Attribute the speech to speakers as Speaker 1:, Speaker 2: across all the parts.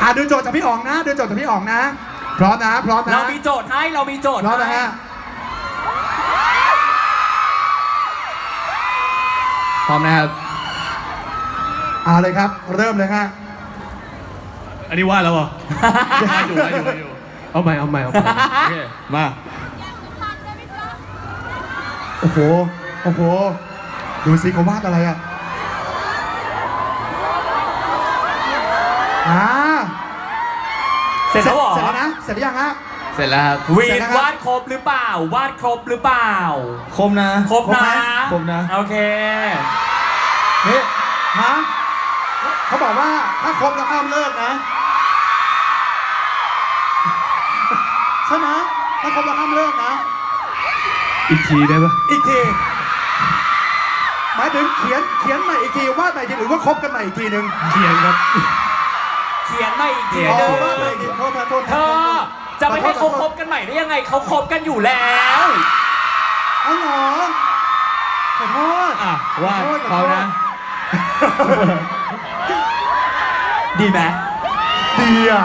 Speaker 1: ดูโจทย์จากพี่อ๋องนะดูโจทย์จากพี่อ๋องนะพร้อมนะพร้อมนะ
Speaker 2: เรามีโจทย์ให้เรามีโจทย์
Speaker 1: พร้อมนะฮะ
Speaker 3: พร้อมนะครับ
Speaker 1: เอาเลยครับเริ่มเลยฮะ
Speaker 4: อันนี้ว่าแล้วเหรออยู่เอาใหม่โอเคมา
Speaker 1: โอ้โหดูสิเขาวาดอะไรอ่ะ
Speaker 2: เสร็จแล้วเหรอ
Speaker 1: เสร็จแล้วนะเสร็จหรือยังฮะ
Speaker 3: เสร็จแล้วครับ
Speaker 2: วีนวาดครบหรือเปล่าวาดครบหรือเปล่า
Speaker 3: คมนะ
Speaker 2: ครบนะ
Speaker 3: คมนะ
Speaker 2: โอเค
Speaker 1: นี่ฮะเขาบอกว่าถ้าครบแล้วห้ามเลิกนะใช่ไหมถ้าครบแล้วห้ามเลิกนะ
Speaker 4: อีกทีได้ปะ
Speaker 1: อีกทีหมายถึงเขียนใหม่อีกทีวาดใหม่อีกทีหรือว่าครบกันใหม่อีกทีหนึ่ง
Speaker 4: เขียนครับ
Speaker 2: เขียนมาอีกที
Speaker 1: อ๋อ
Speaker 2: หนึง
Speaker 1: วาดใหม่อีกทีโทษ
Speaker 2: เธอจะไม่ให้เขาคบกันใหม่ได้ยังไงเขาคบกันอยู่แล้ว
Speaker 1: เอาเหรอขอโทษ
Speaker 3: อ่ะวาดพร้อมนะ
Speaker 2: ดีไหม
Speaker 1: ดีอ่ะ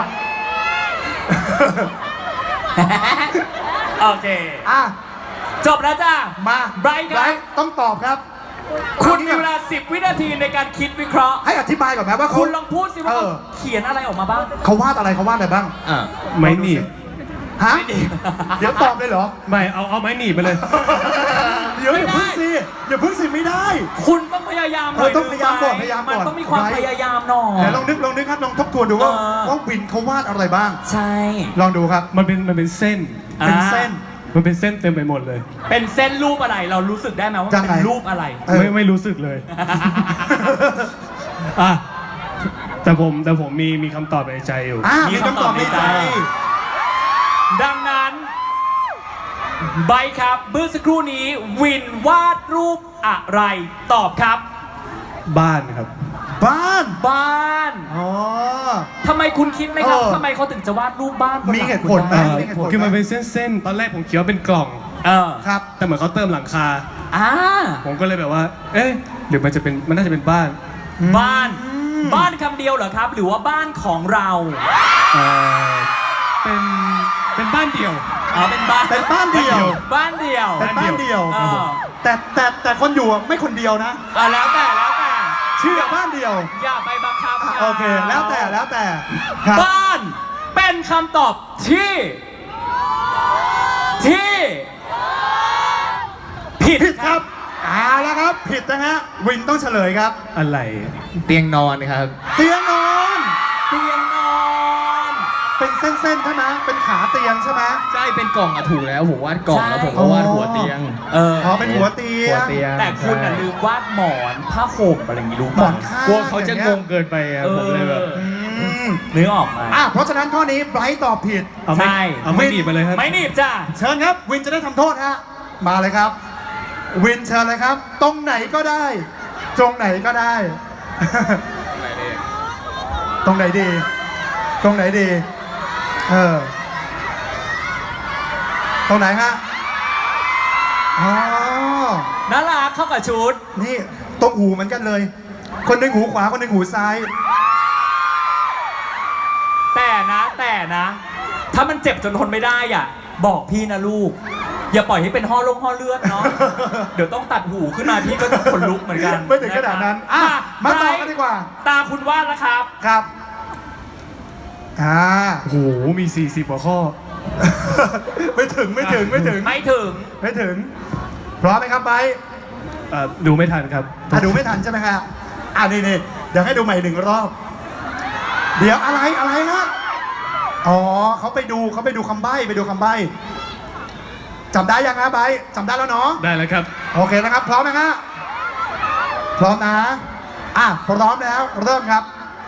Speaker 2: โอเค
Speaker 1: อ่ะ
Speaker 2: จบแล้วจ้า
Speaker 1: มา
Speaker 2: ไบรท์ครับ
Speaker 1: ต้องตอบครับ
Speaker 2: คุณมีเวลา10 วินาทีในการคิดวิเคราะห์
Speaker 1: ให้อธิบายก่อนไหมว่า
Speaker 2: คุณลองพูดสิว่า
Speaker 1: เออ
Speaker 2: เขียนอะไรออกมาบ้าง
Speaker 1: เขาวาดอะไรบ้าง
Speaker 3: อ่ะ
Speaker 4: ไม้หนีบ
Speaker 1: ฮะเดี๋ยวตอบเลยเหรอ
Speaker 4: ไม่เอาไม้หนีบไปเลย
Speaker 1: เดี๋ยวอย่าพึ่งสิไม่ได้
Speaker 2: คุณต้องพยายามหน่อย
Speaker 1: ต้องพยายามก่อน
Speaker 2: มันต้องมีความพยายามหน่อย
Speaker 1: ไหนลองนึกครับลองทบทวนดูว่า
Speaker 2: เออ
Speaker 1: ว่าวินเขาวาดอะไรบ้าง
Speaker 2: ใช่
Speaker 1: ลองดูครับ
Speaker 4: มันเป็นเส้น
Speaker 1: เป็นเส้น
Speaker 4: มันเป็นเส้นเต็มไปหมดเลย
Speaker 2: เป็นเส้นรูปอะไรเรารู้สึกได้ไหมว่า
Speaker 1: ยังไง
Speaker 2: เป็นรูปอะไร
Speaker 1: เออ
Speaker 4: ไม่รู้สึกเลย อ่ะแต่ผมมีคำตอบในใจอยู่
Speaker 1: มีคำตอบในใจ
Speaker 2: ดังนั้นใบครับเมื่อสักครู่นี้วินวาดรูปอะไรตอบครับ
Speaker 4: บ้านครับ
Speaker 1: บ้าน
Speaker 2: บ้าน
Speaker 1: อ๋อ
Speaker 2: ทำไมคุณคิดไหมครับ
Speaker 1: เออ
Speaker 2: ทำไมเขาถึงจะวาดรูปบ้านบน
Speaker 1: มี
Speaker 2: ลัง
Speaker 1: เหตุผลไหม
Speaker 2: คุณได้
Speaker 4: คือมันเป็นเส้นตอนแรกผมคิดว่าเป็นกล่อง
Speaker 1: ครับ
Speaker 4: แต่เหมือนเขาเติมหลังคา
Speaker 2: อ่า
Speaker 4: ผมก็เลยแบบว่า เอ๊ะหรือมันน่าจะเป็นบ้าน
Speaker 2: บ้านบ้านคำเดียวเหรอครับ หรือว่าบ้านของเรา
Speaker 4: เอ่อเป็นบ้านเดี่ยว
Speaker 2: อ๋อเป็นบ้าน
Speaker 1: เป็นบ้านเดียว
Speaker 2: บ้านเดียว
Speaker 1: เป็นบ้านเดียว
Speaker 2: เออ
Speaker 1: แต่คนอยู่อะไม่คนเดียวนะ
Speaker 2: แล้วแต่
Speaker 1: ชื่อบ้านเดียว
Speaker 2: อย่าไปบังคับ
Speaker 1: อ่ะ
Speaker 2: ขา
Speaker 1: โอเคแล้วแต่ครับ
Speaker 2: บ้านเป็นคำตอบที่ผิด
Speaker 1: ผิดครับเอาแล้วครับ ผิดนะฮะวินต้องเฉลยครับ
Speaker 4: อะไร
Speaker 3: เตียงนอนครับ
Speaker 1: เตียงนอน
Speaker 2: เตียงนอน
Speaker 1: เป็นเส้นๆใช่ไหมเป็นขาเตียงใช่ไหม
Speaker 3: ใช่เป็นกล่องอะถูกแล้วผมวาดกล่องแล้วผมก็วาดหัวเตียง
Speaker 2: อ๋อ
Speaker 1: เป็นหัวเตีย
Speaker 3: หัว
Speaker 1: ง
Speaker 3: เตียง
Speaker 2: แต่คุณน่ะ
Speaker 3: ใช่
Speaker 2: ลืมวาดหมอนผ้าห่มอะไรอย่างงี้รู้
Speaker 1: หม
Speaker 2: ป่ะ
Speaker 1: อนข้าง
Speaker 3: กลัวเขาจะงงเกินไปอะผมเลยแบบ
Speaker 2: นึกออกไหม
Speaker 1: เพราะฉะนั้นข้อนี้ไบรท์ตอบผิด
Speaker 4: เอาไม่
Speaker 2: ใช่
Speaker 4: เอาไม่หนีบมาเลยครับ
Speaker 2: ไม่หนีบจ้า
Speaker 1: เชิญครับ วินจะได้ทำโทษฮะมาเลยครับ วินเชิญเลยครับ ตรงไหนก็ได้ ตรงไหนก็ได้ ตรงไหนดี ตรงไหนดี ตรงไหนฮะอ๋อ
Speaker 2: น่ารักเข้ากับชุด
Speaker 1: นี่ตรงหูเหมือนกันเลย คนหนึ่งหูขวาคนหนึ่งหูซ้าย
Speaker 2: แต่นะ ถ้ามันเจ็บจนทนไม่ได้อ่ะ บอกพี่นะลูก อย่าปล่อยให้เป็นห่อเลือดเนาะ เดี๋ยวต้องตัดหูขึ้นมาพี่ก็จะขนลุกเหมือนกัน
Speaker 1: ไม่ถึงขนาดนั้นมาต่อกันดีกว่า
Speaker 2: ตาคุณวาดแล้วครับ
Speaker 1: ครับ
Speaker 4: โอ้โห มี 40 กว่าข้อ
Speaker 1: ไม่ถึง
Speaker 2: ไม่ถึง
Speaker 1: พร้อมไหมครับไบร์ท
Speaker 4: ดูไม่ทันครับ
Speaker 1: ดูไม่ทันใช่ไหมครับนี่เดี๋ยวให้ดูใหม่หนึ่งรอบ เดี๋ยวอะไรฮะอ๋อเขาไปดูคำใบ้จำได้ยังฮะไบร์ทจำได้แล้วเนาะ
Speaker 4: ได้แล้วครับ
Speaker 1: โอเคนะครับ พร้อมไหมฮะพร้อมนะพร้อมแล้วเริ่มครับ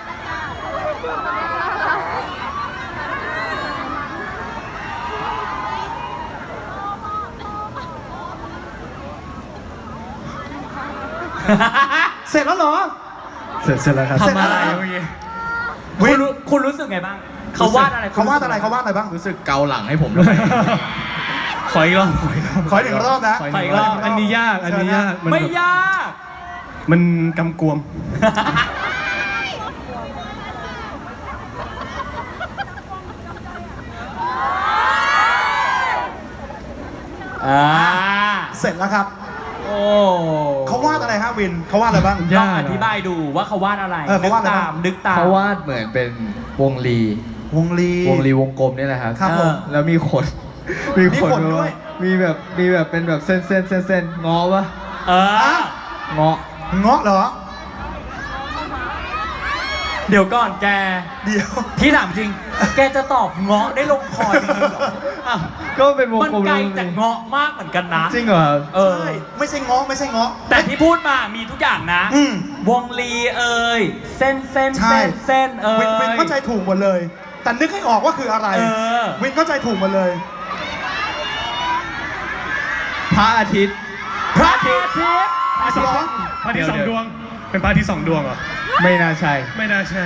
Speaker 1: เสร็จแล้วเหรอ
Speaker 4: เสร็จแล้วครับ
Speaker 1: เสร็จแล้ว
Speaker 2: ทำอะไร
Speaker 1: เมื่อกี้
Speaker 2: คุณรู้สึกไงบ้าง เขาวาดอะไร
Speaker 1: เขาวาดอะไรบ้าง
Speaker 3: รู้สึกเกาหลังให้ผมทำไม
Speaker 4: ขออีกรอบ
Speaker 1: ขออีกหนึ่งรอบนะ
Speaker 3: ขอ
Speaker 2: ไปอีกรอบ
Speaker 4: อันนี้ยาก
Speaker 1: มัน
Speaker 2: ไม่
Speaker 4: แบบ
Speaker 2: ยาก
Speaker 4: มันกำกวม
Speaker 1: เสร็จแล้วครับ
Speaker 2: โอ้
Speaker 1: เขาวาดอะไรฮะวินเขาวาดอะไรบ้าง
Speaker 2: ลองอธิบายดูว่าเขาวาดอะไร
Speaker 1: เออเขาวาดอะไร
Speaker 2: นึกตาม
Speaker 3: เขาวาดเหมือนเป็นวงลี
Speaker 1: วงลี
Speaker 3: วงลีวงกลมนี่แหละครับ
Speaker 1: ครับผม
Speaker 3: แล้วมีขน
Speaker 1: มีขนด้วย
Speaker 3: มีแบบเป็นแบบเส้นงอปะ
Speaker 2: เออ
Speaker 3: เงาะ
Speaker 1: เงาะเหรอ
Speaker 2: เดี๋ยวก่อนแก
Speaker 1: เดี๋ยว
Speaker 2: พี่ถามจริง แกจะตอบเงาะได้ลงคอจริงๆเหรอ
Speaker 3: อ้าวก็เป็นวง
Speaker 2: มัน
Speaker 3: กลม
Speaker 2: ไกล
Speaker 3: แล้ว
Speaker 2: จากเงาะมากเหมือนกันนะ
Speaker 3: จริงเหรอครับ
Speaker 2: เออ
Speaker 1: ใช่ไม่ใช่เงาะไม่ใช่เงาะ
Speaker 2: แต่ที่พูดมามีทุกอย่างนะ
Speaker 1: อืม
Speaker 2: วงลีเอ่ยเส้น
Speaker 1: ใช่
Speaker 2: เส้นเอ่ย
Speaker 1: วินเข้าใจถูกหมดเลย แต่นึกให้ออกว่าคืออะไร
Speaker 2: เออ
Speaker 1: วินเข้าใจถูกหมดเลย
Speaker 3: พระอาทิตย์
Speaker 2: พระอาทิตย์
Speaker 4: พระอาทิตย์
Speaker 1: เหรอ
Speaker 4: พระอาทิตย์สองดวง เป็นพระอาทิตย์สองดวงเหรอ
Speaker 3: ไม่น่าใช่
Speaker 4: ไม่น่าใช่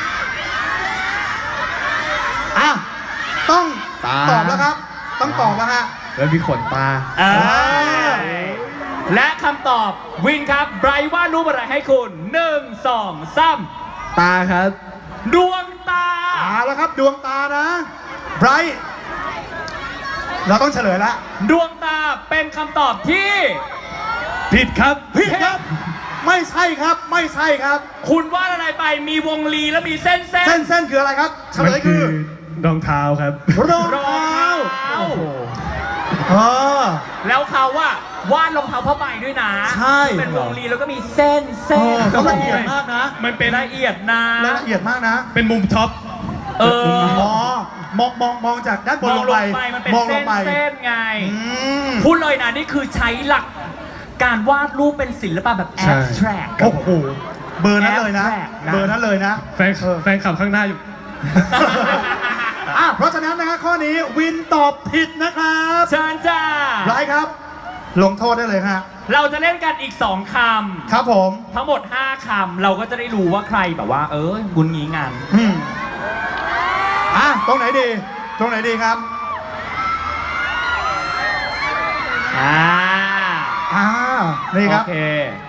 Speaker 1: อ่ะต้อง
Speaker 3: ตา
Speaker 1: ตอบแล้วครับ ต้องตอบแล้วฮะ
Speaker 3: แล้วมีขนตา
Speaker 2: เออและคำตอบวินครับไบรท์วาดรูปอะไรให้คุณ 1 2 3
Speaker 3: ตาครับ
Speaker 2: ดวงตา
Speaker 1: เอาแล้วครับดวงตานะไบรท์เราต้องเฉลยแล้ว
Speaker 2: ดวงตาเป็นคำตอบที่
Speaker 4: ผิดครับ
Speaker 1: ผิดครับ ไม่ใช่ครับ ไม่ใช่ครับ
Speaker 2: คุณวาดอะไรไปมีวงลีแล้วมีเส้น
Speaker 1: เส้นคืออะไรครับ เฉลยคือ
Speaker 4: รองเท้าครับ
Speaker 1: รอง
Speaker 2: รอง
Speaker 1: เท้า
Speaker 2: เท้า
Speaker 1: เออ
Speaker 2: แล้วเขาว่าวาดรองเท้าผ้าใบด้วยนะ
Speaker 1: ใช่
Speaker 2: เป็นวงลีแล้วก็มีเส้น
Speaker 1: เออเขาละเอียดมากนะ
Speaker 4: มันเป็น
Speaker 2: ละเอียดนะ
Speaker 1: ละเอียดมากนะ
Speaker 4: เป็นมุมท็อป
Speaker 2: เออ
Speaker 1: อ๋อมองจากด้านบ
Speaker 2: ม
Speaker 1: น
Speaker 2: อง
Speaker 1: ลง
Speaker 2: ล
Speaker 1: ไป
Speaker 2: งไปมันเป็น
Speaker 1: มองล
Speaker 2: เส้
Speaker 1: ง
Speaker 2: น
Speaker 1: ไป
Speaker 2: เส้นไง
Speaker 1: อืม
Speaker 2: พูดเลยนะนี่คือใช้หลักการวาดรูปเป็นศิลปะแบบ
Speaker 3: ใช่
Speaker 2: abstract
Speaker 1: โอ้โหเบอร์นั้นเลยนะ
Speaker 2: Abstract นะ
Speaker 1: เบอร์นั้นเลยนะ
Speaker 4: แฟนขับข้างหน้าอยู่
Speaker 1: อ่ะเพราะฉะนั้นนะฮะข้อนี้วินตอบผิดนะครับ
Speaker 2: เชิญจ้า
Speaker 1: ไรครับ ลงโทษได้เลยฮะ
Speaker 2: เราจะเล่นกันอีก 2 คำ
Speaker 1: ครับผม
Speaker 2: ทั้งหมด 5 คำ เราก็จะได้รู้ว่าใครแบบว่า บุญงี้งาน
Speaker 1: อืมอ่ะตรงไหนดี ตรงไหนดีครับ
Speaker 2: อ่า
Speaker 1: อ่านี่ครับ
Speaker 2: โอเค